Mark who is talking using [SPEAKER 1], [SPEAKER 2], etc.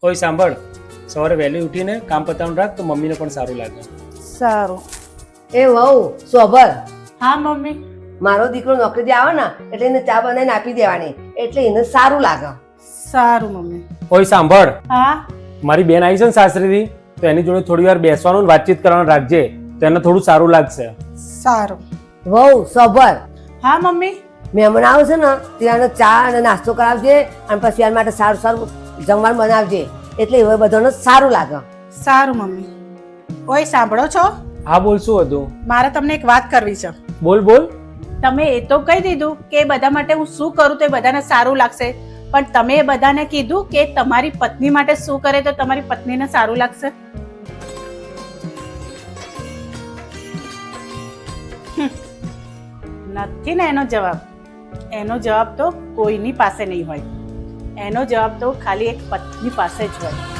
[SPEAKER 1] ઓય સાંભળ, સવારે વહેલી ઉઠીને કામ પતાવવાનું રાખ તો મમ્મીને પણ સારું લાગે.
[SPEAKER 2] સારું.
[SPEAKER 3] એ વહુ સોભર,
[SPEAKER 2] હા મમ્મી.
[SPEAKER 3] મારો દીકરો નોકરીથી આવે ને એટલે એને ચા બનાવીને આપી દેવાની, એટલે એને સારું લાગે.
[SPEAKER 2] સારું મમ્મી.
[SPEAKER 1] ઓય સાંભળ,
[SPEAKER 2] હા
[SPEAKER 1] મારી બેન આવી છે ને સાસરીથી, તો એની જોડે થોડી વાર બેસવાનું ને વાતચીત કરવાનું રાખજે, તો એને થોડું સારું લાગશે.
[SPEAKER 2] સારું.
[SPEAKER 3] વહુ સોભર,
[SPEAKER 2] હા મમ્મી.
[SPEAKER 3] મહેમાન આવે છે ને ત્યારે ચા અને નાસ્તો કરાવજે અને પછી એના માટે સારું સારું જમવાનું બનાવજે, એટલે એ બધાને સારું લાગે.
[SPEAKER 2] સારું મમ્મી. ઓય સાંભળો છો?
[SPEAKER 1] હા બોલ, શું હતું?
[SPEAKER 2] મારે તમને એક વાત કરવી છે.
[SPEAKER 1] બોલ બોલ.
[SPEAKER 2] તમે એ તો કહી દીધું કે એ બધા માટે હું શું કરું તો એ બધાને સારું લાગશે, પણ તમે એ બધાને કીધું કે તમારી પત્ની માટે શું કરે તો તમારી પત્નીને સારું લાગશે? નથી ને એનો જવાબ. એનો જવાબ તો કોઈની પાસે નહીં હોય. એનો જવાબ તો ખાલી એક પત્ની પાસે જ હોય.